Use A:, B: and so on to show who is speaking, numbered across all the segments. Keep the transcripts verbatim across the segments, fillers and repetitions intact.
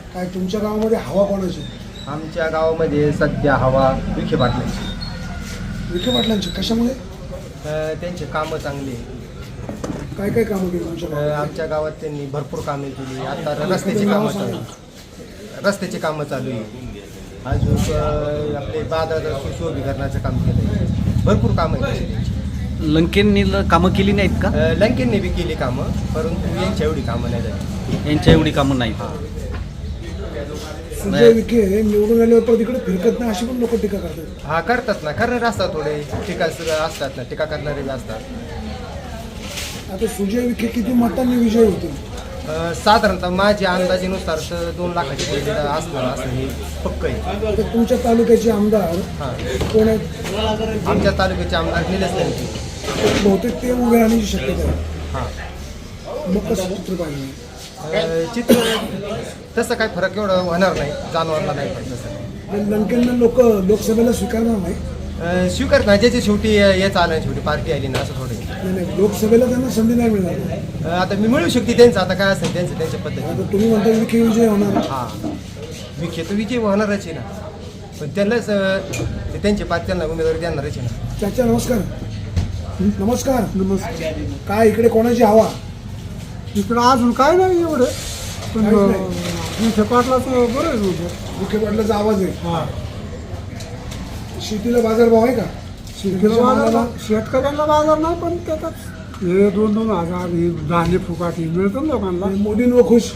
A: काय तुमच्या गावामध्ये हवा कोणाची?
B: आमच्या गावामध्ये सध्या हवा विखे पाटलांची.
A: विखे पाटलांची कशामुळे?
B: अ, त्यांचे कामं चांगली आहे.
A: काय काय कामं केली तुमच्या
B: अ,
A: गावात?
B: आमच्या गावात त्यांनी भरपूर कामे केली. आता रस्त्याची कामं चालू आहे. रस्त्याची कामं चालू आहे. अजून अ, आपले बाजारात सुशोभीकरणाचं काम केलं आहे. भरपूर कामं आहेत तशी त्यांची.
C: लंकेंनी ल- कामं केली नाहीत का?
B: अ, लंकेंनी बी केली कामं, परंतु यांच्या एवढी कामं नाही झाली.
C: यांच्या एवढी कामं नाहीत.
B: हां.
A: सुजय विखे निवडून आल्यावर परत इकडे फिरकत नाही अशी पण लोक टीका करतात.
B: हा करतात ना, करणारे असतात थोडे टीका असतात ना, टीका करणारे बी असतात.
A: आता सुजय विखे किती मतांनी विजय होतील?
B: अ, साधारणतः माझ्या अंदाजेनुसार तर दोन लाखाची लीड असणार असं हे पक्क आहे.
A: आता तुमच्या तालुक्याचे आमदार
B: हां.
A: कोण आहेत?
B: आमच्या तालुक्याचे आमदार निलेश लंके.
A: बहुतेक ते उभे राहण्याची शक्यता आहे.
B: हां.
A: मग कसं चित्र पाहिजे?
B: अ, चित्र तसं काय फरक एवढं होणार नाही, जाणवणार नाही पण तसं.
A: आणि लंकेंना लोक लोकसभेला स्वीकारणार नाही.
B: अ, स्वीकार ना, ज्याची शेवटी हेच आलं, शेवटी पार्टी आली ना, असं थोडं आहे.
A: नाही नाही लोकसभेला त्यांना संधी नाही मिळणार.
B: अ, आता मी मिळू शकते त्यांचं, आता काय असेल त्यांचं त्यांच्या पद्धती.
A: आता तुम्ही म्हणता विखे विजय होणार.
B: हां, विखे तर विजय होणारच आहे ना, पण त्यांनाच अ, ते त्यांची पार्टी त्यांना उमेदवारी देणारच आहे ना.
A: चाचा नमस्कार. नमस्कार. नमस्कार. काय इकडे कोणाची हवा?
D: इकडं अजून काय नाही एवढं, पण
A: काहीच नाही.
D: विखे पाटलाचं बरं आहे उभं.
A: विखे पाटलाचा आवाज आहे.
D: हा
A: शेतीला बाजारभाव आहे का?
D: शेतीला बाजार, शेतकऱ्यांना बाजार नाही, पण त्याच्यात हे दोन दोन हजार हे धान्य फुकाट हे मिळतं ना लोकांना.
A: मोदींवर खुश.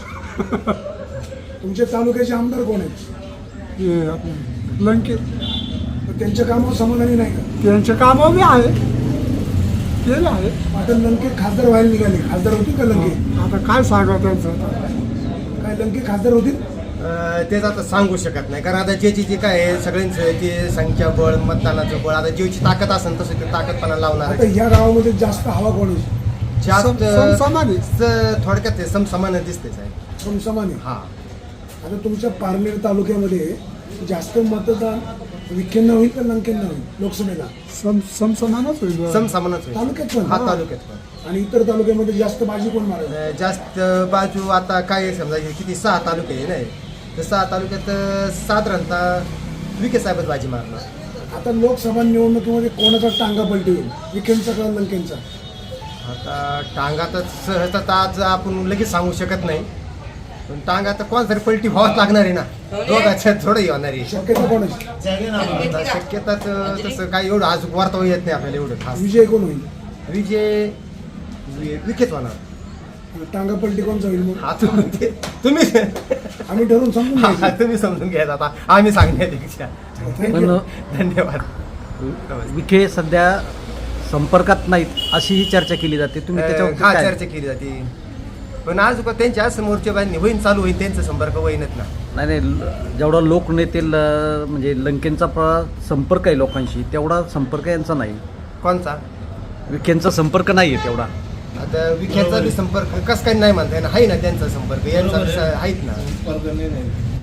A: तुमच्या तालुक्याचे आमदार कोण आहेत?
D: हे आपलं लंके,
A: तर त्यांच्या कामावर समाधानी नाही का?
D: त्यांचे कामं बी आहे, केले आहे.
A: आता लंके खासदार व्हायला निघाले. खासदार होतील का लंके?
D: आता काय सांगा त्यांचं आता.
A: काय लंके खासदार होतील?
B: अ, तेच आता सांगू शकत नाही, कारण आता ज्याची जे काय आहे सगळ्यांचं ते संख्याबळ, मतदानाचं बळ, आता ज्याची ताकद असेल तसं ते ताकदपणा लावणार
A: आता
B: आहे.
A: ह्या गावामध्ये जास्त हवा कोणाची?
B: जास्त
D: सम- समसमान आहे.
B: स- थोडक्यात ते समसमान दिसतेच आहे.
A: समसमान आहे.
B: हा.
A: आता तुमच्या पारनेर तालुक्यामध्ये जास्त मतदान विखेंना होईल का लंकेंना होईल लोकसभेला?
D: सम समसमानच होईल.
B: समसमानच होईल.
A: तालुक्यात पण?
B: हा, तालुक्यात पण.
A: आणि इतर तालुक्यामध्ये जास्त बाजी कोण मारेल?
B: अ, जास्त बाजू आता काय आहे, समजा हे किती सहा तालुके आहे नाही, तर सहा तालुक्यात अ, साधारणतः विखे साहेबच बाजी मारणार.
A: आता लोकसभा निवडणुकीमध्ये कोणाचा टांगा पलटी होईल? विखेंचा का लंकेंचा?
B: आता टांगा तर सहज आता आज आपण लगेच सांगू शकत नाही, पण टांगा तर कोण तरी पलटी व्हावंच लागणार आहे ना, दोघांच्या थोडंही होणार आहे.
A: शक्यता कोणाची?
B: आता शक्यता तर तसं काय एवढं आज वार्ता येत नाही आपल्याला एवढं खास.
A: विजय कोण होईल?
B: विजय वि- विखेच होणार.
A: टांगा पलटी कोणचा होईल मग?
B: हा, तुम्ही ते- तुम्ही
A: आम्ही ठरवून समजून
B: हा,
A: घ्यायचं.
B: तुम्ही समजून घ्यायचा आता, आम्ही सांगण्यापेक्षा.
C: पण
B: धन्यवाद.
C: विखे सध्या संपर्कात नाहीत अशी ही चर्चा केली जाते. तुम्ही त्याच्यावर
B: हा,
C: काय?
B: चर्चा केली जाते, पण आज का त्यांच्या समोरच्या बाजूने होईन, चालू होईल त्यांचा संपर्क होईनच ना.
C: नाही नाही ल- जेवढा लोकनेते ल- म्हणजे लंकेंचा प्र- संपर्क आहे लोकांशी, तेवढा संपर्क यांचा नाही.
B: कोणचा?
C: विखेंचा संपर्क नाही आहे तेवढा.
B: आता विख्याचा बी संपर्क कसं काही नाही म्हणता येणार, आहे ना त्यांचा संपर्क, यांचा बी स- आहेत ना.